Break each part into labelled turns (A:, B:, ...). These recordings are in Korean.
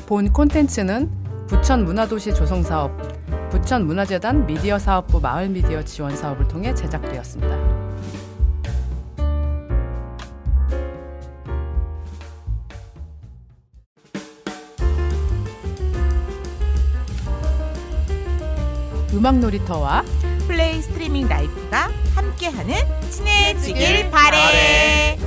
A: 본 콘텐츠는 부천문화도시 조성사업, 부천문화재단 미디어사업부 마을미디어 지원사업을 통해 제작되었습니다. 음악놀이터와
B: 플레이 스트리밍 라이프가 함께하는 친해지길 바래.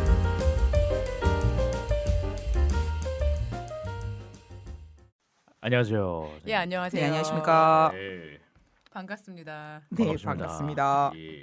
C: 안녕하세요.
A: 예, 안녕하세요.
B: 네, 안녕하십니까.
C: 네,
A: 반갑습니다.
B: 네, 반갑습니다.
C: 예.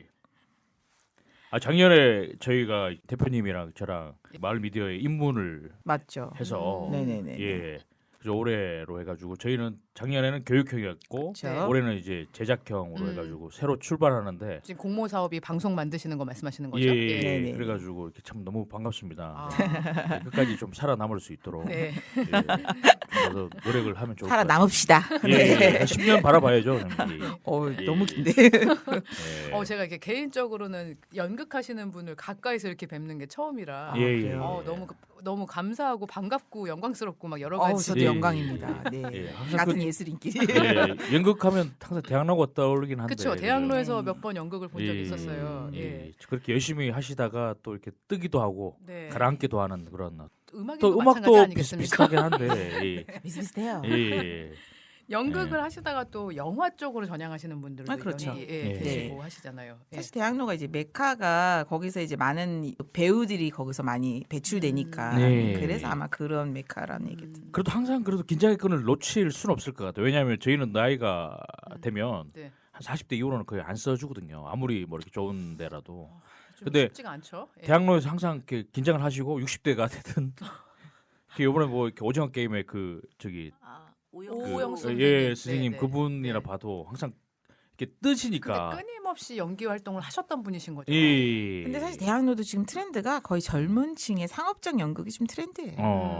C: 작년에 저희가 대표님이랑 저랑 마을 미디어에 입문을
B: 맞죠.
C: 해서
B: 네네네.
C: 예. 그래서 올해로 해가지고 저희는 작년에는 교육형이었고
B: 그렇죠.
C: 올해는 이제 제작형으로 해가지고 새로 출발하는데
A: 지금 공모 사업이 방송 만드시는 거 말씀하시는 거죠?
C: 예.
B: 네네.
C: 그래가지고 이렇게 참 너무 반갑습니다.
A: 아.
C: 네, 끝까지 좀 살아남을 수 있도록
A: 네.
C: 예. 좀더 노력을 하면 좋을 것 같아요.
B: 살아남읍시다.
C: 예, 예. 10년 바라봐야죠. 형님. 예.
B: 너무 긴데.
C: 예.
A: 제가 이렇게 개인적으로는 연극하시는 분을 가까이서 이렇게 뵙는 게 처음이라
C: 예, 예.
A: 너무 감사하고 반갑고 영광스럽고 막 여러 가지.
B: 저도
C: 예,
B: 영광입니다. 네.
C: 예, 항상
B: 같은
C: 그-
B: 예술인끼리.
C: 예, 연극하면 항상 대학로가 떠오르긴 한데.
A: 그렇죠. 대학로에서
B: 네.
A: 몇 번 연극을 본 적이 있었어요. 예.
C: 그렇게 열심히 하시다가 또 이렇게 뜨기도 하고
A: 네.
C: 가라앉기도 하는 그런
A: 음악도
C: 또
A: 마찬가지
C: 음악도
A: 아니겠습니까?
C: 비슷하긴 한데.
B: 비슷비슷해요.
C: 예. 예.
A: 연극을
C: 네.
A: 하시다가 또 영화 쪽으로 전향하시는 분들도
B: 그렇죠.
C: 예.
A: 계시고 하시잖아요. 예.
B: 사실 대학로가 이제 메카가 거기서 이제 많은 배우들이 거기서 많이 배출되니까
C: 네.
B: 그래서 아마 그런 메카라는 얘기죠.
C: 그래도 항상 그래도 긴장의 끈을 놓칠 수는 없을 것 같아요. 왜냐하면 저희는 나이가 되면
A: 네.
C: 한 40대 이후로는 거의 안 써주거든요. 아무리 뭐 이렇게 좋은 데라도.
A: 좀
C: 근데
A: 쉽지가 않죠. 예.
C: 대학로에서 항상 이렇게 긴장을 하시고 60대가 되든 이번에 뭐 이렇게 오징어 게임에 그 저기
A: 오영수
C: 그,
A: 선생님.
C: 예 선생님
A: 네, 네.
C: 그분이라
A: 네.
C: 봐도 항상 이렇게
A: 근데
C: 뜨시니까
A: 끊임없이 연기 활동을 하셨던 분이신 거죠.
C: 예.
B: 근데 사실 대학로도 지금 트렌드가 거의 젊은 층의 상업적 연극이 좀 트렌드예요.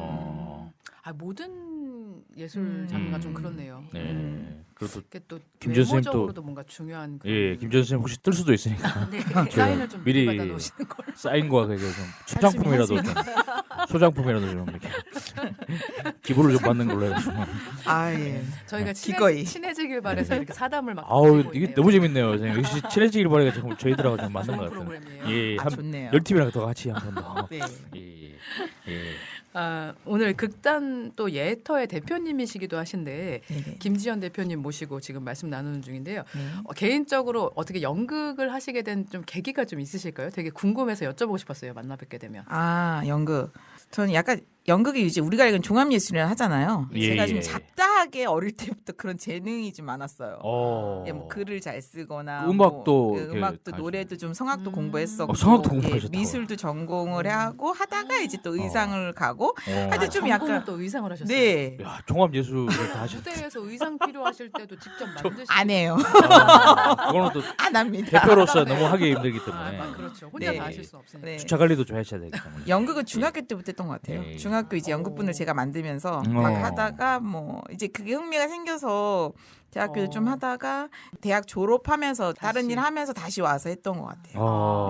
A: 모든 예술 장르가 좀 그렇네요.
C: 네. 그래도
A: 그게 또
C: 김전 선생님 또-
A: 외모적으로도 뭔가 중요한 그런
C: 예 김전 선생님 혹시 뜰 수도 있으니까
A: 네,
C: 저
A: 사인을 좀
C: 미리
A: 받아 놓으시는 걸.
C: 사인과 그게 좀 소장품이라도 좀 소장품이라도 좀 이렇게 기부를 좀 받는 걸로 해가지고
B: 아 예.
A: 저희가
B: 기꺼이.
A: 친해지길 바래서 이렇게 사담을 막
C: 아우
A: 하고
C: 이게
A: 있네요.
C: 너무 재밌네요. 선생님. 역시 친해지길 바라니까 지금 저희들하고 좀 맞는
A: 좋은
C: 것 같아요.
A: 프로그램이에요.
C: 예,
B: 아,
C: 한
B: 좋네요.
C: 10팀이랑 더 같이 한 번 더.
B: 네.
C: 예, 예.
A: 오늘 극단 또 예터의 대표님이시기도 하신데
B: 네네.
A: 김지연 대표님 모시고 지금 말씀 나누는 중인데요.
B: 네.
A: 개인적으로 어떻게 연극을 하시게 된 좀 계기가 좀 있으실까요? 되게 궁금해서 여쭤보고 싶었어요. 만나 뵙게 되면.
B: 아 연극. 저는 약간 연극이 이제 우리가 알기로는 종합예술이라 하잖아요.
C: 예,
B: 제가 좀
C: 예.
B: 잡다하게 어릴 때부터 그런 재능이 좀 많았어요.
C: 어.
B: 예, 뭐 글을 잘 쓰거나
C: 음악도
B: 뭐,
C: 이렇게
B: 음악도
C: 다
B: 노래도 좀 성악도 공부했었고
C: 성악도 공부하셨다고요?
B: 미술도 전공을 하고 하다가 이제 또 의상을 가고 하여튼 좀
A: 전공은
B: 약간
A: 또 의상을 하셨어요.
B: 네.
C: 야, 종합 예술을 다 하셨다.
A: 무대에서 의상 필요하실 때도 직접 만드시고
B: 안 해요.
C: 그거는 또
B: 안 합니다.
C: 대표로서 너무 하기 힘들기 때문에
A: 그렇죠. 혼자
B: 네.
A: 다 하실 수 없으니까.
B: 네.
C: 주차 관리도 좀 하셔야 되기 때문에.
B: 연극은 중학교 때부터 했던 것 같아요.
C: 예.
B: 중학교 이제 연극분을 제가 만들면서
C: 어.
B: 막 하다가 뭐 이제 그게 흥미가 생겨서 대학교도 좀 하다가 대학 졸업하면서 다른
A: 다시.
B: 일 하면서 다시 와서 했던 것 같아요.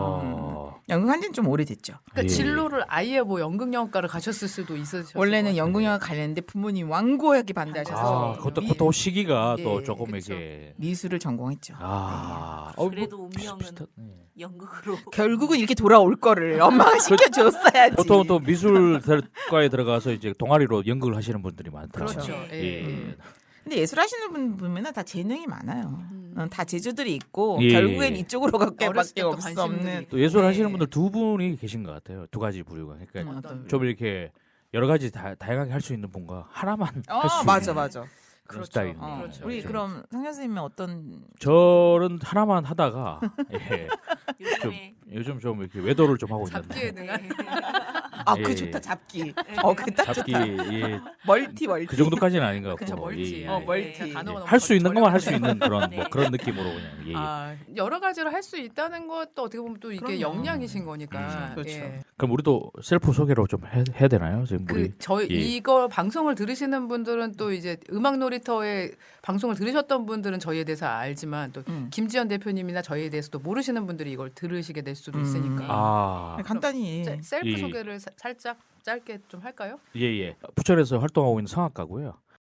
C: 어.
B: 연극 한 지는 좀 오래됐죠.
A: 그러니까
C: 예.
A: 진로를 아예 뭐 연극영화과를 가셨을 수도 있으셨을
B: 원래는
A: 것
B: 연극영화 가려는데 부모님 완고하게 반대하셔서
C: 아, 그것도 시기가 또
B: 예,
C: 조금
A: 그쵸.
C: 이렇게
B: 미술을 전공했죠.
D: 그래도 운명은 연극으로
B: 결국은 이렇게 돌아올 거를 엄마가 시켜줬어야지.
C: 보통 또 미술과에 들어가서 이제 동아리로 연극을 하시는 분들이 많더라고요.
A: 그렇죠.
C: 예.
A: 예.
B: 근데 예술 하시는 분 보면은 다 재능이 많아요. 다 재주들이 있고
C: 예.
B: 결국엔 이쪽으로
A: 어렸을
B: 갈게밖에
A: 때부터
B: 없
A: 관심들이
B: 없는.
C: 또 예술
B: 네.
C: 하시는 분들 두 분이 계신 것 같아요. 두 가지 부류가. 그러니까
B: 어떤
C: 좀 이렇게 여러 가지 다양하게 할 수 있는 분과 하나만 할 수
B: 맞아
C: 있는
B: 맞아.
C: 그런
A: 그렇죠.
C: 스타일이네요.
A: 그렇죠.
B: 우리
C: 좀.
B: 그럼 상현 선생님은 어떤
C: 저는 하나만 하다가 예,
D: 요즘에
C: 요즘 좀 이렇게 외도를 좀 하고
A: 잡기에
C: 있는데
A: 능한
B: 아
C: 예.
B: 그 좋다 잡기. 그딱
C: 잡기
B: 좋다.
C: 예,
B: 멀티
C: 그 정도까지는 아닌 것
A: 그쵸,
C: 같고
A: 멀티.
C: 예,
B: 멀티.
A: 제가 단어가 너무
C: 할 수 있는 것만 할 수
A: 저렴해서.
C: 있는 그런
D: 네.
C: 뭐 그런 느낌으로 그냥 예.
A: 여러 가지를 할 수 있다는 것도 어떻게 보면 또 이게
B: 그럼요.
A: 역량이신 거니까.
B: 그렇죠.
A: 예.
C: 그럼 우리도 셀프 소개로 좀 해야 되나요? 지금 우리
A: 저희
C: 예.
A: 이거 방송을 들으시는 분들은 또 이제 음악놀이터의 방송을 들으셨던 분들은 저희에 대해서 알지만 또 김지연 대표님이나 저희에 대해서도 모르시는 분들이 이걸 들으시게 될 수도 있으니까.
C: 아
B: 간단히
A: 셀프
C: 예.
A: 소개를 살짝 짧게 좀 할까요?
C: 예예. 부천에서 활동하고 있는 성악가고요.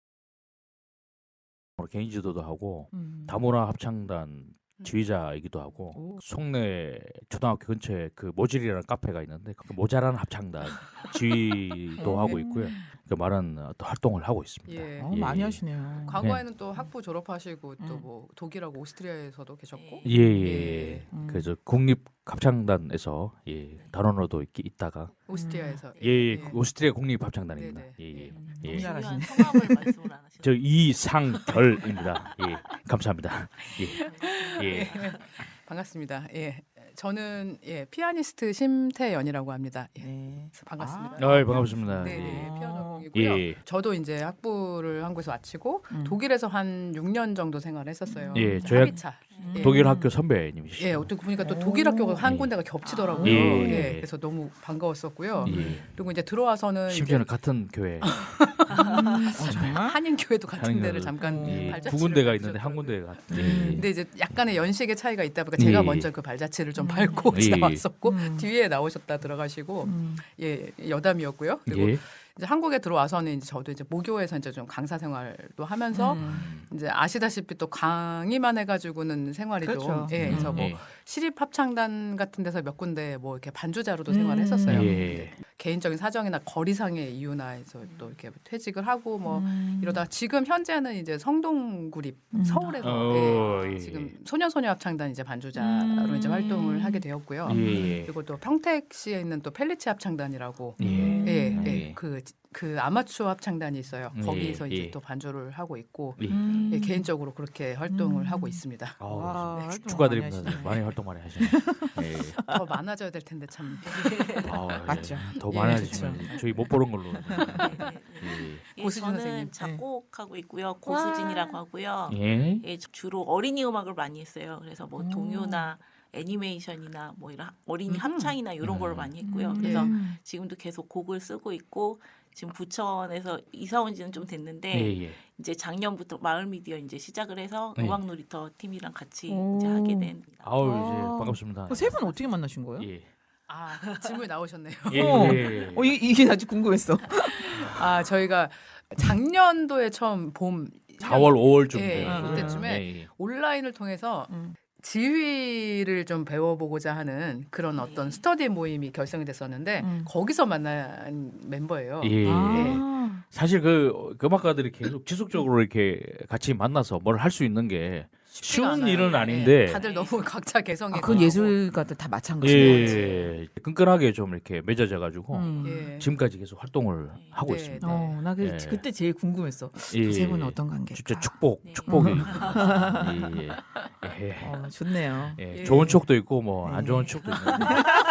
C: 개인 지도도 하고 다문화 합창단 지휘자이기도 하고
B: 오.
C: 송내 초등학교 근처에 그 모질이라는 카페가 있는데 그 모자란 합창단 지휘도 하고 있고요. 그 많은 또 활동을 하고 있습니다.
A: 예.
B: 많이
C: 예.
B: 하시네요.
A: 과거에는 또 학부 졸업하시고 또 뭐 독일하고 오스트리아에서도 계셨고
C: 예예.
A: 예.
C: 그래서 국립 합창단에서 단원으로 있다가
A: 오스트리아에서
C: 예, 오스트리아 국립 합창단입니다.
A: 네네.
C: 예예.
B: 너무
C: 예.
B: 잘하시네.
D: 중요한 성함을 말씀을 안 하시죠.
C: 저 이상결입니다. 예, 감사합니다. 예, 예.
A: 반갑습니다. 예. 저는 피아니스트 심태연이라고 합니다. 예.
B: 네.
A: 반갑습니다.
C: 아, 반갑습니다.
A: 네네
B: 아.
A: 피아노 전공이고요.
C: 예.
A: 저도 이제 학부를 한국에서 마치고 독일에서 한 6년 정도 생활했었어요.
C: 예, 저희
A: 합의차. 예.
C: 독일 학교 선배님이시죠.
A: 예, 어떻게 보니까 또 독일 학교가 한 군데가 겹치더라고요.
C: 예.
A: 예, 그래서 너무 반가웠었고요.
C: 예.
A: 그리고 이제 들어와서는
C: 심지어는 같은 교회
B: 정말?
A: 한인 교회도 같은
C: 한인
A: 데를
C: 교회도.
A: 잠깐
C: 예,
A: 발자취를
C: 두 군데가 있는데
A: 밟으셨더라고요.
C: 한 군데가
A: 근데 이제 약간의 연식의 차이가 있다 보니까 제가
C: 예.
A: 먼저 그 발자취를 좀 밟고
C: 예.
A: 지나왔었고 뒤에 나오셨다 들어가시고 예 여담이었고요. 그리고
C: 예.
A: 이제 한국에 들어와서는 이제 저도 이제 모교에서 이제 좀 강사 생활도 하면서 이제 아시다시피 또 강의만 해가지고는 생활이
B: 그렇죠.
A: 좀 예, 그래서 뭐
C: 예.
A: 시립 합창단 같은 데서 몇 군데 뭐 이렇게 반주자로도 생활했었어요.
C: 예.
A: 개인적인 사정이나 거리상의 이유나 해서 또 이렇게 퇴직을 하고 뭐 이러다 지금 현재는 이제 성동구립 서울에서
C: 예.
A: 지금 소년소녀 합창단 이제 반주자로 이제 활동을 하게 되었고요.
C: 예.
A: 그리고 또 평택시에 있는 또 펠리치 합창단이라고
C: 예.
A: 예,
C: 예.
A: 예. 그 아마추어 합창단이 있어요.
C: 예,
A: 거기서 이제
C: 예.
A: 또 반주를 하고 있고
C: 예.
A: 예, 개인적으로 그렇게 활동을 하고 있습니다.
C: 아우,
B: 와,
C: 네,
B: 활동
C: 축하드립니다.
B: 많이 하시네.
C: 많이 활동 많이 하시네. 예.
A: 더 많아져야 될 텐데 참.
C: 아우, 예.
B: 맞죠.
C: 더
A: 예,
C: 많아지시면 저희 못 보는 걸로.
D: 예,
A: 고수진
D: 저는
A: 선생님.
D: 작곡하고 있고요. 고수진이라고 하고요.
C: 예.
D: 예, 주로 어린이 음악을 많이 했어요. 그래서 뭐 동요나 애니메이션이나 뭐 이런 어린이 합창이나 이런 걸 많이 했고요. 그래서 지금도 계속 곡을 쓰고 있고 지금 부천에서 이사 온 지는 좀 됐는데
C: 예, 예.
D: 이제 작년부터 마을 미디어 이제 시작을 해서
C: 네.
D: 음악 놀이터 팀이랑 같이
B: 오.
D: 이제 하게 된.
C: 아우, 이제 반갑습니다.
B: 세 분 어떻게 만나신 거예요?
C: 예.
A: 아 질문 나오셨네요.
C: 예.
B: 어.
C: 예.
B: 이게 아주 궁금했어.
A: 아 저희가 작년도에 처음 봄
C: 4월, 5월쯤
A: 예,
C: 돼요.
A: 그때쯤에
C: 예, 예.
A: 온라인을 통해서 지휘를 좀 배워보고자 하는 그런 어떤 스터디 모임이 결성이 됐었는데 거기서 만난 멤버예요.
C: 예.
B: 아.
C: 사실 그 음악가들이 계속 지속적으로 이렇게 같이 만나서 뭘 할 수 있는 게 쉬운
A: 않아요.
C: 일은
A: 예,
C: 아닌데
A: 다들 너무 각자 개성이
B: 그건
A: 강하고.
B: 예술가들 다 마찬가지인 것 같아요.
C: 예, 끈끈하게 좀 이렇게 맺어져 가지고
A: 예.
C: 지금까지 계속 활동을 하고
A: 네,
C: 있습니다.
A: 네.
B: 나
C: 예.
B: 그때 제일 궁금했어.
C: 예.
B: 그 세 분은 어떤 관계일까?
C: 진짜 축복,
D: 네.
C: 축복이. 예, 예. 예.
B: 좋네요.
C: 예,
A: 예.
C: 좋은 추억도 있고 뭐 안
B: 네.
C: 좋은 추억도 있는데.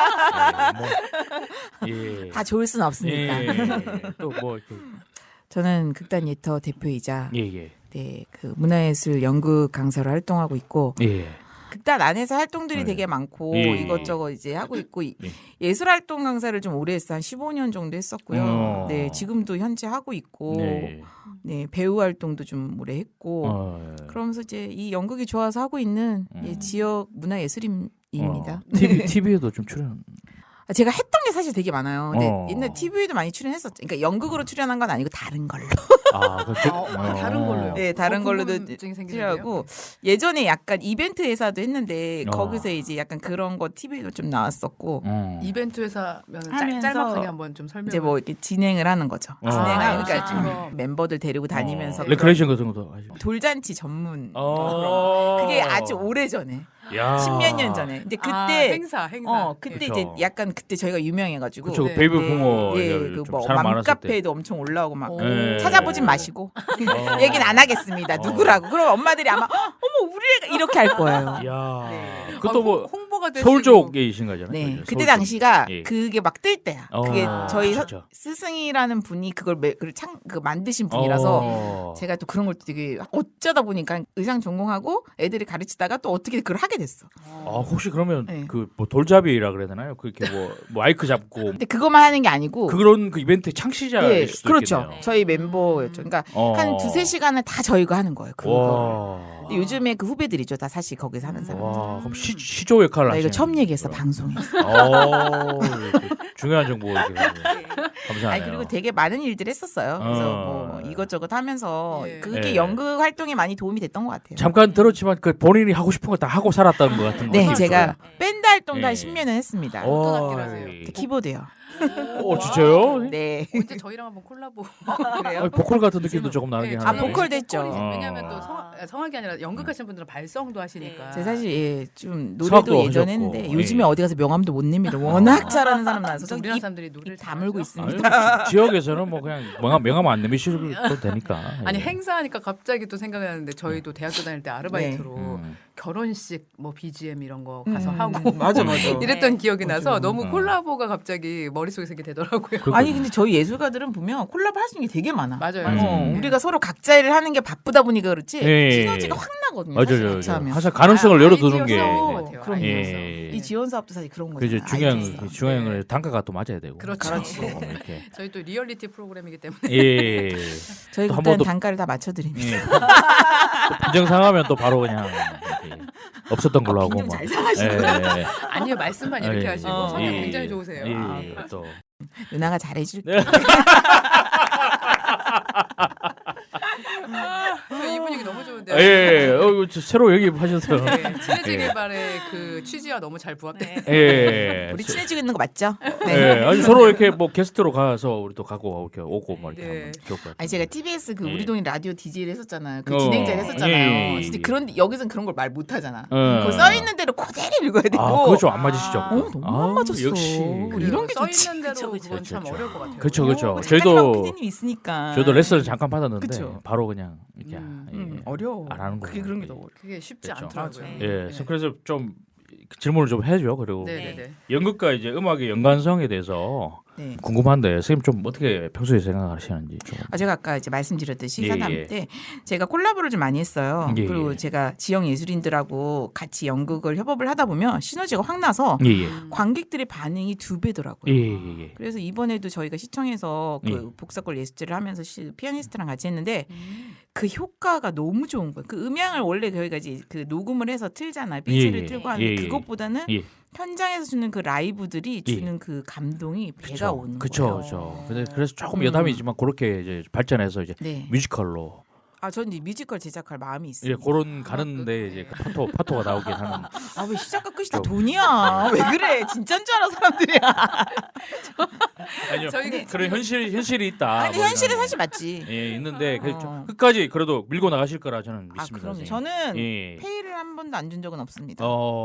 C: 예.
B: 다 좋을 순 없으니까.
C: 또뭐 이렇게
B: 저는 극단 예터 대표이자
C: 예, 예.
B: 네, 그 문화예술 연극 강사로 활동하고 있고
C: 예.
B: 극단 안에서 활동들이
C: 네.
B: 되게 많고
C: 예.
B: 이것저것 이제 하고 있고
C: 예.
B: 예술 활동 강사를 좀 오래 했어. 한 15년 정도 했었고요. 네, 지금도 현재 하고 있고
C: 네.
B: 네, 배우 활동도 좀 오래 했고
C: 예.
B: 그러면서 이제 이 연극이 좋아서 하고 있는 예, 지역 문화예술인입니다.
C: TV에도 좀 출연.
B: 제가 했던 게 사실 되게 많아요. 근데
C: 어.
B: 옛날 TV에도 많이 출연했었죠. 그러니까 연극으로 출연한 건 아니고 다른 걸로.
C: 아,
A: 다른 걸로요.
B: 네, 다른 걸로도
A: 궁금증이 생기는데요.
B: 출연하고 예전에 약간 이벤트 회사도 했는데
C: 어.
B: 거기서 이제 약간 그런 거 TV도 좀 나왔었고
A: 이벤트 회사면
B: 하면서
A: 짤막하게 한번 좀 설명.
B: 이제 뭐 이렇게 진행을 하는 거죠.
C: 아,
B: 진행하는 그러니까
A: MC 거.
B: 멤버들 데리고 다니면서
C: 레크레이션 같은 것도 하시고.
B: 돌잔치 전문
C: 어.
B: 그게 아주 오래 전에
C: 야.
B: 10몇 년 전에. 근데 그때
A: 행사.
B: 그때
C: 그쵸.
B: 이제 약간 그때 저희가 유명해가지고
C: 그쵸,
A: 네.
C: 베이비 붕어.
B: 예,
C: 좀
B: 그뭐
C: 사람 많았을 때.
B: 맘카페에도 엄청 올라오고 막
A: 오.
C: 예.
B: 찾아보진 마시고 얘기는 안 하겠습니다. 누구라고? 그럼 엄마들이 아마 어머 우리 애가 이렇게 할 거예요.
C: 야.
A: 네.
C: 그것도 뭐
A: 홍보가 되시고
C: 서울 쪽이신 거잖아요.
B: 네,
C: 그죠?
B: 그때
C: 서울
B: 당시가
C: 쪽. 예.
B: 그게 막 뜰 때야.
C: 어.
B: 그게 저희
C: 진짜.
B: 스승이라는 분이 그걸 만드신 분이라서
C: 어.
B: 제가 또 그런 걸 되게 어쩌다 보니까 의상 전공하고 애들이 가르치다가 또 어떻게 그걸 하게 됐어.
C: 아, 혹시 그러면
B: 네.
C: 그 뭐 돌잡이라 그래야 되나요? 그렇게 뭐 마이크 잡고
B: 근데 그것만 하는 게 아니고
C: 그런 그 이벤트 창시자일
B: 예,
C: 수도
B: 그렇죠.
C: 있겠네요.
B: 저희 멤버였죠. 그러니까
C: 어.
B: 한 두세 시간을 다 저희가 하는 거예요. 그거.
C: 와.
B: 근데 요즘에 그 후배들이죠. 다 사실 거기서 하는 사람.
C: 와, 그럼 시조 역할을
B: 나 이거
C: 하시는
B: 처음 얘기했어
C: 거구나.
B: 방송에서.
C: 이렇게 중요한 정보 이렇게 감사해요.
B: 아니 그리고 되게 많은 일들 했었어요. 그래서 뭐 이것저것 하면서 그게 연극 활동에 많이 도움이 됐던 것 같아요.
C: 잠깐 들었지만 그 본인이 하고 싶은 거 다 하고 살았다는 것 같은 거.
B: 네, 제가 밴드 활동도 한
C: 예.
B: 10년은 했습니다.
A: 어떤 악기를 하세요?
B: 키보드요.
C: 진짜요?
B: 네.
A: 언제 저희랑 한번 콜라보.
B: 그래요?
C: 보컬 같은 느낌도 조금 나긴
A: 네,
C: 하는데.
B: 아, 보컬도 했죠.
A: 보컬이지.
C: 어.
A: 왜냐하면 또 성악이 아니라 연극하시는 분들은 발성도 하시니까.
B: 제가 사실 예, 좀
C: 수학도
B: 노래도 예전에
C: 하셨고,
B: 했는데 요즘에
C: 예.
B: 어디 가서 명함도 못 냅니다. 워낙 잘하는 사람 나와서
A: 또 우리나라 사람들이 노래를
B: 다물고
A: 잘하죠.
B: 있습니다.
C: 아니, 지역에서는 뭐 그냥 명함 안 내미셔도 되니까.
A: 아니
C: 예.
A: 행사하니까 갑자기 또 생각이 나는데 저희도 대학교 다닐 때 아르바이트로
C: 음.
A: 결혼식 뭐 BGM 이런 거 가서 하고
B: 맞아.
A: 이랬던 기억이 나서
B: 맞아요.
A: 너무 콜라보가 갑자기 머릿속에 생기게 되더라고요.
B: 아니 근데 저희 예술가들은 보면 콜라보 할 수 있는 게 되게 많아.
A: 맞아요.
B: 우리가 서로 각자 일을 하는 게 바쁘다 보니까 그렇지
C: 예.
B: 시너지가 확 나거든요.
C: 맞아요.
B: 같이 하면.
C: 항상 가능성을 열어두는 게.
A: 아이디어 싸움인 것 같아요.
B: 그럼요.
C: 예.
B: 이 지원 사업도 사실 그런
C: 그 이제
B: 거잖아요.
C: 중요한
A: 네.
C: 건 단가가 또 맞아야 되고.
A: 그렇죠.
B: 그렇지.
C: 이렇게.
A: 저희 또 리얼리티 프로그램이기 때문에
C: 예.
B: 저희
C: 또한
B: 그때는
C: 번 더-
B: 단가를 다 맞춰드립니다.
C: 예. 또 빈정 상하면 또 바로 그냥 이렇게 없었던 걸로 하고.
B: 빈정
C: 뭐.
B: 잘 상하시고.
C: 예.
A: 아니요 말씀만 이렇게
C: 예.
A: 하시고 성격
C: 예.
A: 굉장히 좋으세요.
C: 예.
A: 아,
C: 또.
B: 누나가 잘해줄게.
C: 네.
A: 이 분위기 너무 좋은데요.
C: 예. 새로 얘기하셔서.
A: 네, 친해지길
C: 예.
A: 바래 그 취지와 너무 잘 부합돼요.
C: 예.
B: 우리 친해지고 있는 거 맞죠?
C: 예. 아니 서로 이렇게 뭐 게스트로 가서 우리도 가고 이렇게 오고 뭐 이렇게
A: 네.
C: 하면 좋을 것 같아요.
B: 아니 제가 TBS 그
C: 예.
B: 우리 동네 라디오 DJ를 했었잖아요. 그
C: 어,
B: 진행자를 했었잖아요.
C: 예.
B: 진짜 그런 여기서는 그런 걸 말 못하잖아.
C: 어.
B: 그 써 있는 대로 그대로 읽어야 되고.
C: 아, 그거 좀 안 맞으시죠?
B: 너무 안 맞았어.
C: 역시.
B: 이런 게
A: 써
B: 좋지.
A: 있는 대로
D: 그쵸,
A: 그건
D: 그쵸,
A: 참
C: 그쵸.
A: 어려울 것 같아요.
C: 그렇죠, 그렇죠.
B: 작가님하고
C: 저희도
B: PD님 있으니까.
C: 저도 레슨을 잠깐 받았는데
B: 그쵸.
C: 바로 그냥 이렇게
B: 어려워.
C: 안 하는
B: 그게
C: 거예요.
B: 그런 게 너무 어려워.
A: 그게 쉽지
C: 그렇죠.
A: 않더라고요.
D: 맞아요.
C: 예, 그래서 좀 질문을 좀 해줘. 그리고
A: 네네네.
C: 연극과 이제 음악의 연관성에 대해서
B: 네.
C: 궁금한데 선생님 좀 어떻게 평소에 생각하시는지 좀.
B: 제가 아까 이제 말씀드렸듯이
C: 예,
B: 사담
C: 예.
B: 때 제가 콜라보를 좀 많이 했어요.
C: 예,
B: 그리고
C: 예.
B: 제가 지역 예술인들하고 같이 연극을 협업을 하다 보면 시너지가 확 나서
C: 예, 예.
B: 관객들의 반응이 2배더라고요.
C: 예, 예, 예.
B: 그래서 이번에도 저희가 시청에서 그
C: 예.
B: 복사골 예술제를 하면서 피아니스트랑 같이 했는데 그 효과가 너무 좋은 거예요. 그 음향을 원래 저희가 이제 그 녹음을 해서 틀잖아요. 삐지를
C: 예,
B: 틀고 하는데
C: 예, 예.
B: 그것보다는
C: 예.
B: 현장에서 주는 그 라이브들이
C: 예.
B: 주는 그 감동이 배가 오는
C: 그쵸,
B: 거예요.
C: 그렇죠. 그래서 조금 여담이지만 그렇게 이제 발전해서 이제
B: 네.
C: 뮤지컬로
B: 아, 전 이제 뮤지컬 제작할 마음이 있어요.
C: 예, 그런 가는데 이제 그 파토가 나오긴 하는.
B: 아, 왜 시작과 끝이 다
C: 좀.
B: 돈이야? 왜 그래? 진짜인 줄 알아 사람들이야.
C: 아니요,
A: 저희가
C: 그런 현실이 있다.
B: 아니
C: 뭐
B: 현실은
C: 이런.
B: 사실 맞지.
C: 예, 있는데 그
B: 어.
C: 끝까지 그래도 밀고 나가실 거라 저는
B: 아,
C: 믿습니다.
B: 그럼요.
C: 선생님.
B: 저는
C: 예.
B: 페이를 한 번도 안 준 적은 없습니다.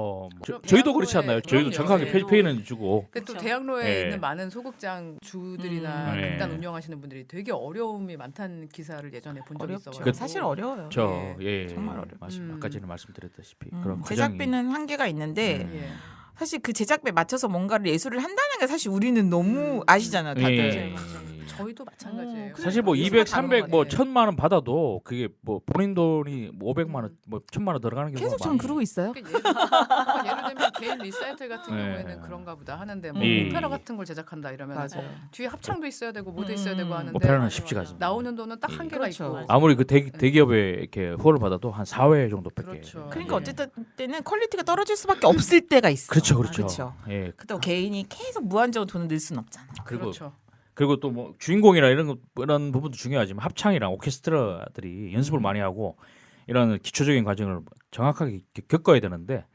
A: 그럼
C: 저희도
A: 대학로에-
C: 그렇지 않나요? 저희도
A: 그럼요.
C: 정확하게
A: 네.
C: 페이는 주고.
A: 근데 또
D: 그렇죠.
A: 대학로에
C: 예.
A: 있는 많은 소극장 주들이나
C: 예.
A: 극단 운영하시는 분들이 되게 어려움이 많다는 기사를 예전에 본 적이
B: 어렵죠.
A: 있어요.
B: 사실 어려워요.
C: 예,
B: 정말 어려워요.
C: 맞습니다. 아까 전에 말씀드렸다시피
B: 음,
C: 그런
B: 제작비는 한계가 있는데
A: 예.
B: 사실 그 제작비에 맞춰서 뭔가를 예술을 한다는 게 사실 우리는 너무 아시잖아요, 다들.
C: 예.
A: 저희도 마찬가지예요.
C: 사실 뭐
B: 그래서
C: 200, 300, 뭐
A: 네.
C: 1000만 원 받아도 그게 뭐 본인 돈이 뭐 500만 원, 뭐 1000만 원 들어가는 경우가
B: 계속 전 그러고 있어요.
A: 그러니까 예를 들면 개인 리사이틀 같은
C: 예.
A: 경우에는 그런가 보다 하는데 뭐
C: 예.
A: 오페라 같은 걸 제작한다 이러면
B: 맞아요.
A: 뒤에 합창도 있어야 되고 무대 있어야 되고 하는데
C: 오페라는 쉽지가 않습니다.
A: 나오는 돈은 딱 한계가
B: 그렇죠.
A: 있고
C: 아무리 그 대기업에 이렇게 후원을 받아도 한 4회 정도밖에.
A: 그렇죠.
B: 그러니까
C: 예.
B: 어쨌든 때는 퀄리티가 떨어질 수밖에 없을 때가 있어.
C: 그렇죠, 그렇죠.
B: 그렇죠.
C: 예.
B: 그렇다고 개인이 계속 무한정으로 돈을 낼 수는 없잖아.
A: 그렇죠.
C: 그리고 또 뭐 주인공이나 이런 부분도 중요하지만 합창이랑 오케스트라들이 연습을 많이 하고 이런 기초적인 과정을 정확하게 겪어야 되는데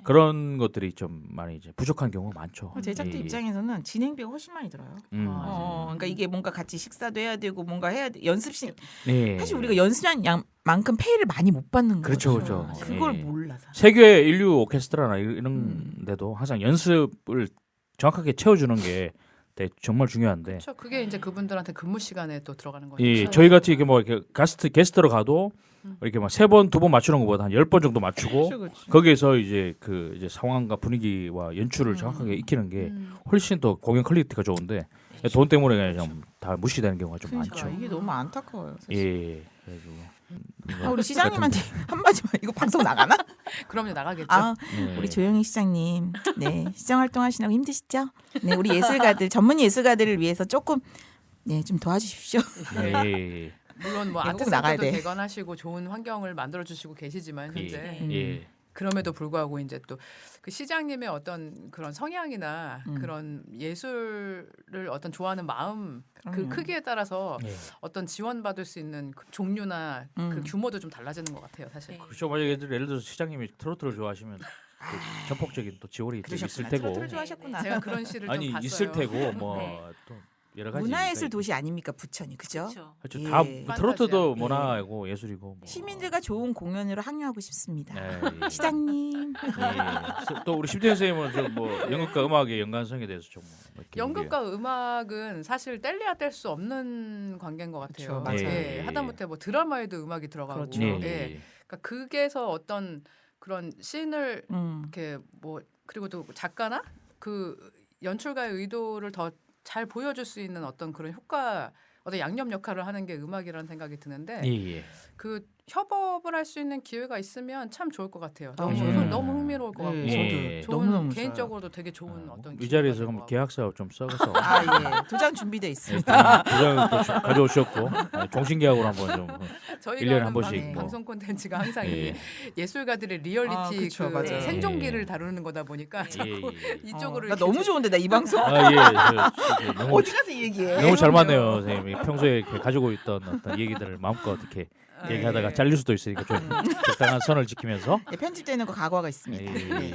C: 그런 것들이 좀 많이 이제 부족한 경우가 많죠.
B: 제작자
C: 예, 예.
B: 입장에서는 진행비가 훨씬 많이 들어요. 그러니까 이게 뭔가 같이 식사도 해야 되고 뭔가 해야 돼. 연습실
C: 예.
B: 사실 우리가 연습한 양만큼 페이를 많이 못 받는
C: 그렇죠,
B: 거죠.
C: 그렇죠.
B: 그걸
C: 예.
B: 몰라. 사실.
C: 세계 인류 오케스트라나 이런 데도 항상 연습을 정확하게 채워주는 게 정말 중요한데.
A: 그렇죠. 그게 이제 그분들한테 근무 시간에 또 들어가는 거니까.
C: 예, 저희 같이 이렇게 뭐 이렇게 게스트로 가도 이렇게 막 3번, 2번 맞추는 것보다 한 10번 정도 맞추고
B: 그렇죠.
C: 거기에서 이제 그 이제 상황과 분위기와 연출을 정확하게 익히는 게 훨씬 더 공연 퀄리티가 좋은데 돈 때문에 그냥 좀 다 무시되는 경우가 좀
B: 그러니까
C: 많죠.
B: 이게 너무 안타까워요. 사실.
C: 예. 그래가지고
B: 아, 우리 시장님한테 한마디만 이거 방송 나가나?
A: 그럼요 나가겠죠.
B: 아,
C: 예.
B: 우리 조영희 시장님, 네 시장 활동하시느라고 힘드시죠? 네, 우리 예술가들 전문 예술가들을 위해서 조금 네 좀 도와주십시오.
C: 예.
A: 물론 뭐
B: 꼭 나가야
A: 아트센터도
B: 돼.
A: 개관하시고 좋은 환경을 만들어 주시고 계시지만 현재
C: 예.
A: 그럼에도 불구하고 이제 또 그 시장님의 어떤 그런 성향이나 그런 예술을 어떤 좋아하는 마음 그
B: 그럼요.
A: 크기에 따라서
C: 예.
A: 어떤 지원받을 수 있는 그 종류나 그 규모도 좀 달라지는 것 같아요, 사실.
C: 그렇죠. 만약에 예를 들어서 시장님이 트로트를 좋아하시면 그 전폭적인 또 지원이 또 있을
B: 그러셨구나.
C: 테고
B: 트로트를 좋아하셨구나.
A: 제가 그런 시를
C: 아니
A: 좀 봤어요.
C: 있을 테고
D: 네.
C: 뭐 또 여러 가지
B: 문화예술
C: 있으니까.
B: 도시 아닙니까 부천이 그죠?
D: 그렇죠.
C: 그렇죠.
B: 예.
C: 다
A: 판타지야.
C: 트로트도
A: 예.
C: 문화이고 예술이고 뭐.
B: 시민들과 좋은 공연으로 항류하고 싶습니다.
C: 예, 예.
B: 시장님.
C: 예. 또 우리 심태현 선생님은 좀뭐 연극과 음악의 연관성에 대해서 좀 이렇게
A: 연극과 음악은 사실 뗄래야 뗄 수 없는 관계인 것 같아요.
B: 그렇죠. 맞아요.
A: 예, 하다못해 뭐 드라마에도 음악이 들어가고,
B: 그렇죠.
C: 예.
A: 예. 그러니까 극에서 어떤 그런 씬을 이렇게 뭐 그리고 또 작가나 그 연출가의 의도를 더 잘 보여줄 수 있는 어떤 그런 효과, 어떤 양념 역할을 하는 게 음악이라는 생각이 드는데
C: 예.
A: 그 협업을 할 수 있는 기회가 있으면 참 좋을 것 같아요. 너무 너무 흥미로울 것 같고,
C: 예.
A: 좋은
B: 너무너무
A: 개인적으로도 되게 좋은 어떤
C: 이 자리에서
A: 기회가 될
C: 그럼
A: 것
C: 계약서 좀 써서
B: 아 예. 도장 준비돼
C: 예,
B: 있습니다.
C: 도장을 또 가져오셨고 종신계약으로 한번 좀
A: 저희가
C: 일년에
A: 하는
C: 한 번씩 뭐.
A: 방송 콘텐츠가 항상
C: 예.
A: 이 예술가들의 리얼리티
B: 아, 그쵸,
A: 그
B: 맞아요.
A: 생존기를
C: 예.
A: 다루는 거다 보니까 자꾸
C: 예.
A: 이쪽으로
B: 나
A: 이렇게
B: 너무 좋은데 나 이 방송
C: 아 예. 너무
B: 어디 가서 얘기해?
C: 너무 잘 맞네요, 선생님이 평소에 이렇게 가지고 있던 어떤 얘기들을 마음껏 이렇게 얘기하다가
A: 예.
C: 잘릴 수도 있으니까 좀 적당한 선을 지키면서
B: 네, 편집되는 거 각오가 있습니다. 네.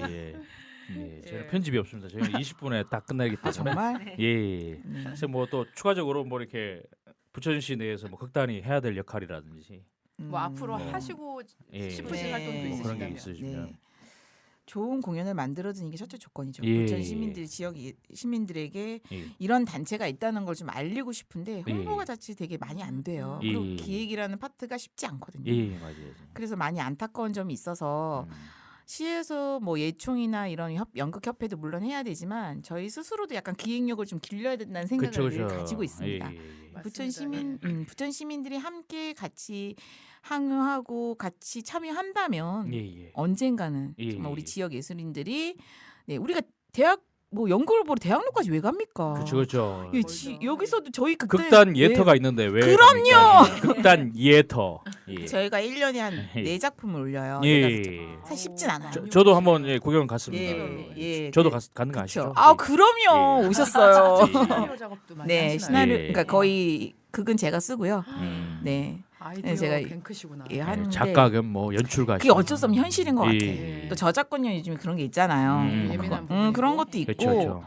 C: 저희는
A: 예.
C: 편집이 없습니다. 저희는 20분에 딱 끝나기
B: 아
C: 때문에
B: 정말?
C: 예. 그래서 뭐 또 추가적으로 뭐 이렇게 부천시 내에서 뭐 극단이 해야 될 역할이라든지
A: 뭐 앞으로
C: 뭐.
A: 하시고
C: 예.
A: 싶으신
B: 네.
A: 활동도
C: 뭐 그런 게
A: 있으시다면.
C: 있으시면
B: 네. 좋은 공연을 만들어주는 게 첫째 조건이죠.
C: 예.
B: 부천 시민들 지역 시민들에게
C: 예.
B: 이런 단체가 있다는 걸 좀 알리고 싶은데 홍보가
C: 예.
B: 자칫 되게 많이 안 돼요.
C: 예.
B: 그리고 기획이라는 파트가 쉽지 않거든요.
C: 예 맞아요.
B: 그래서 많이 안타까운 점이 있어서
C: 음.
B: 시에서 뭐 예총이나 이런 연극협회도 물론 해야 되지만 저희 스스로도 약간 기획력을 좀 길러야 된다는 생각을
C: 그쵸,
B: 늘
C: 그쵸.
B: 가지고 있습니다.
C: 예.
B: 부천
A: 맞습니다.
B: 시민
A: 예.
B: 부천 시민들이 함께 같이 항의하고 같이 참여한다면
C: 예.
B: 언젠가는
C: 예,
B: 정말 우리
C: 예.
B: 지역 예술인들이 네 우리가 대학 뭐 연극을 보러 대학로까지 왜 갑니까?
C: 그렇죠.
B: 예,
A: 멀죠.
B: 여기서도 저희 그때
C: 극단 예터가 있는데 왜?
B: 그럼요!
C: 갑니까? 극단 예터. 예.
B: 저희가 1년에 한
C: 예.
B: 4작품을 올려요.
C: 예.
B: 사실 쉽진 않아요.
C: 저도 한번 구경 갔습니다.
B: 예.
C: 저도
B: 그-
C: 가는 거
B: 그쵸.
C: 아시죠?
B: 아
C: 예.
B: 그럼요.
C: 예.
B: 오셨어요.
A: 시나리오 작업도 많이
B: 네,
A: 하시나요?
B: 시나리오
C: 예.
B: 그러니까 거의 극은 제가 쓰고요.
C: 네.
B: 네.
A: 아이디어
B: 제가
A: 뱅크시구나.
B: 예, 하는데
C: 작가 겸 뭐 연출가.
B: 그게 어쩔 수 없는 현실인 것 같아요.
C: 예.
B: 또 저작권료 요즘에 그런 게 있잖아요.
A: 예민한 부분이고.
B: 그런 것도 있고
C: 그렇죠, 그렇죠.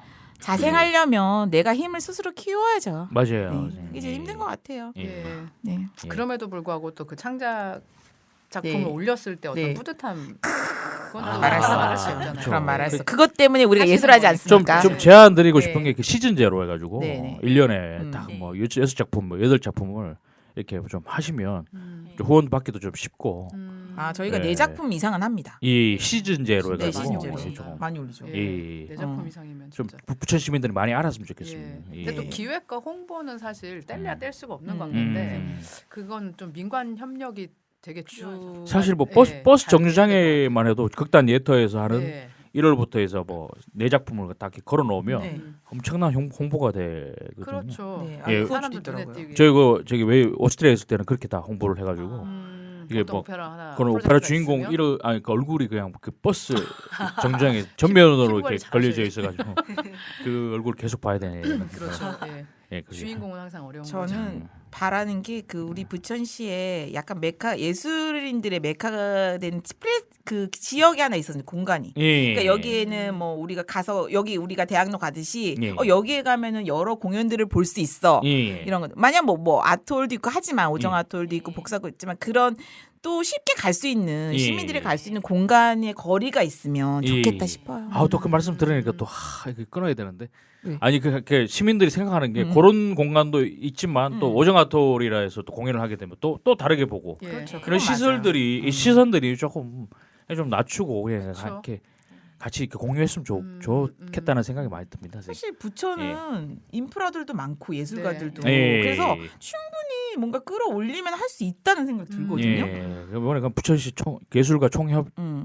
B: 자생하려면 내가 힘을 스스로 키워야죠.
C: 맞아요.
B: 네. 이게 제일 힘든 것 같아요.
C: 예.
A: 예.
B: 네.
C: 예.
A: 그럼에도 불구하고 또 그 창작 작품을
B: 네.
A: 올렸을 때 어떤
B: 네.
A: 뿌듯함 그건
C: 아,
A: 또
B: 말할 수
A: 말할
B: 없죠.
A: 수 없잖아요.
C: 그렇죠.
B: 그런 말할 수.
C: 그-
B: 그것 때문에 우리가
A: 하시는
B: 예술하지
A: 거니까.
B: 않습니까?
C: 좀 제안 드리고
A: 네.
C: 싶은 게 그 시즌제로 해가지고
B: 네, 네.
C: 1년에
B: 음.
C: 딱
D: 네.
C: 뭐 6작품, 뭐 8작품을 이렇게 좀 하시면
A: 음.
C: 좀 후원 받기도 좀 쉽고
B: 아 저희가
C: 네.
B: 4작품 이상은 합니다.
C: 이 시즌제로
B: 네,
C: 해가지고
B: 시즌제로.
C: 이렇게 조금
B: 많이 올리죠.
A: 예.
C: 예.
A: 내 작품
B: 어.
A: 이상이면
C: 좀
A: 진짜.
C: 부천 시민들이 많이 알았으면
A: 예.
C: 좋겠습니다.
A: 근데 또
C: 예.
A: 기획과 홍보는 사실 뗄래야 뗄 수가 없는
B: 음.
A: 관계인데 그건 좀 민관 협력이 되게
C: 사실 뭐
A: 예,
C: 버스
A: 잘
C: 정류장에만 해도 극단 예터에서 하는
A: 예.
C: 1월부터 해서 뭐 4작품을 딱 이렇게 걸어 놓으면
B: 네.
C: 엄청난 홍보가 되거든요.
A: 그렇죠.
B: 네.
C: 예.
B: 그것도
A: 사람들 눈에
B: 있더라고요.
A: 띄게.
C: 저기 왜 오스트리아에 있을 때는 그렇게 다 홍보를 해가지고 이게
A: 어떤
C: 뭐
A: 오페라 하나
C: 그런 오페라
A: 프로젝트가
C: 주인공
A: 있으면
C: 이러 아니 그 얼굴이 그냥 그 버스 정장에 전면으로
A: 피부관리
C: 이렇게
A: 잘하셔야
C: 걸려져 있어가지고 그 얼굴 계속 봐야 되네.
A: 그렇죠. 예.
C: 예, 그게.
A: 주인공은 항상 어려운 거죠.
B: 저는 바라는 게 그 우리 부천시에 약간 메카 예술인들의 메카가 된 그 지역이 하나 있었는데 공간이.
C: 예.
B: 그러니까 여기에는 뭐 우리가 가서 여기 우리가 대학로 가듯이
C: 예.
B: 여기에 가면은 여러 공연들을 볼 수 있어.
C: 예.
B: 이런 거. 만약 뭐 아트홀도 있고 하지만 오정
C: 예.
B: 아트홀도 있고 복사고 있지만 그런 또 쉽게 갈 수 있는
C: 예.
B: 시민들이 갈 수 있는 공간의 거리가 있으면
C: 예.
B: 좋겠다 싶어요.
C: 아우 또 그 말씀 들으니까 또 이거 끊어야 되는데
B: 왜?
C: 아니 그 시민들이 생각하는 게 그런 공간도 있지만 또 오정아토리라 해서 또 공연을 하게 되면 또 다르게 보고
A: 예.
B: 그렇죠.
C: 그런
B: 그건 맞아요.
C: 시설들이 이 시선들이 조금 좀 낮추고 그냥
A: 그쵸.
C: 이렇게 같이 이렇게 공유했으면 좋겠다는 생각이 많이 듭니다. 선생님.
B: 사실 부천은 인프라들도 많고 예술가들도
C: 예.
B: 그래서 충분히 뭔가 끌어올리면 할 수 있다는 생각이 들거든요.
C: 예. 이번에 그 부천시 예술가 총협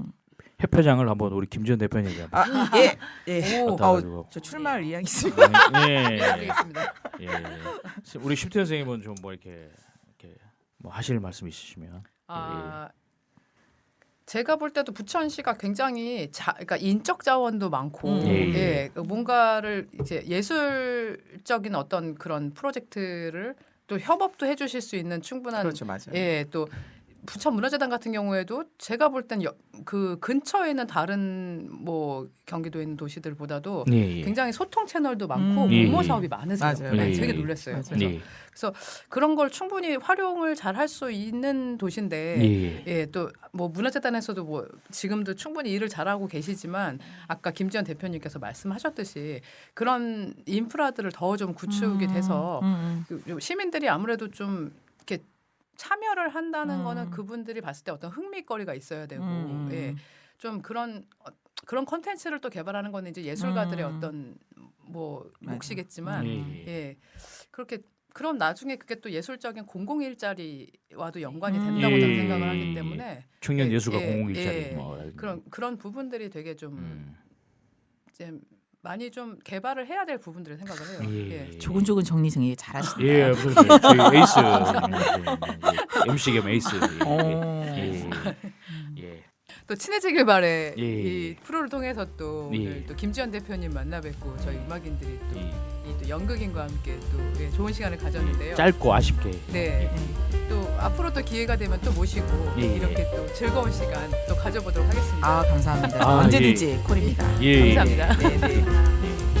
C: 협회장을 한번 우리 김지현 대표님이 한번
B: 예. 예.
C: 갔다 가지고
B: 저 출마할 의향이 있습니다.
C: 예.
A: 알겠습니다.
C: 예. 우리 심태현 선생님은 좀 뭐 이렇게 뭐 하실 말씀 있으시면.
A: 아 제가 볼 때도 부천시가 굉장히 그러니까 인적 자원도 많고
C: 예.
A: 뭔가를 이제 예술적인 어떤 그런 프로젝트를 또 협업도 해주실 수 있는 충분한
B: 그렇죠, 맞아요.
A: 또 부천 문화재단 같은 경우에도 제가 볼 땐 그 근처에 있는 다른 뭐 경기도에 있는 도시들보다도
C: 예.
A: 굉장히 소통 채널도 많고
C: 예.
A: 공모 사업이 많으세요.
B: 맞아요.
A: 네,
C: 예.
A: 되게 놀랐어요.
B: 맞아요.
A: 그래서
C: 예.
A: 그런 걸 충분히 활용을 잘 할 수 있는 도시인데
C: 예.
A: 또 뭐 문화재단에서도 뭐 지금도 충분히 일을 잘하고 계시지만 아까 김지연 대표님께서 말씀하셨듯이 그런 인프라들을 더 좀 구축이 돼서 그 시민들이 아무래도 좀 이렇게 참여를 한다는 거는 그분들이 봤을 때 어떤 흥미거리가 있어야 되고 좀 그런 컨텐츠를 또 개발하는 거는 이제 예술가들의 어떤 뭐 몫이겠지만 그렇게 그럼 나중에 그게 또 예술적인 공공 일자리와도 연관이 된다고 저는 생각을 하기 때문에
C: 청년 예술가 공공
A: 예,
C: 일자리
A: 예.
C: 뭐
A: 그런 부분들이 되게 좀 이제 많이 좀 개발을 해야 될 부분들을 생각을 해요.
C: 예.
B: 조근조근 정리 정리 잘하신다.
C: 예, 무슨 저희 에이스 MC 겸 에이스. 예. 예.
A: 또 친해지길 바래
C: 예.
A: 이 프로를 통해서 또
C: 예.
A: 오늘 또 김지연 대표님 만나 뵙고 저희 음악인들이 또,
C: 예.
A: 또 연극인과 함께 또 좋은 시간을 가졌는데요.
C: 짧고 아쉽게.
A: 네. 또 앞으로 또 기회가 되면 또 모시고
C: 예.
A: 이렇게 또 즐거운 시간 또 가져보도록 하겠습니다.
B: 아 감사합니다.
C: 아,
B: 언제든지 콜입니다.
C: 예.
A: 감사합니다.
B: 네, 네.
C: 예.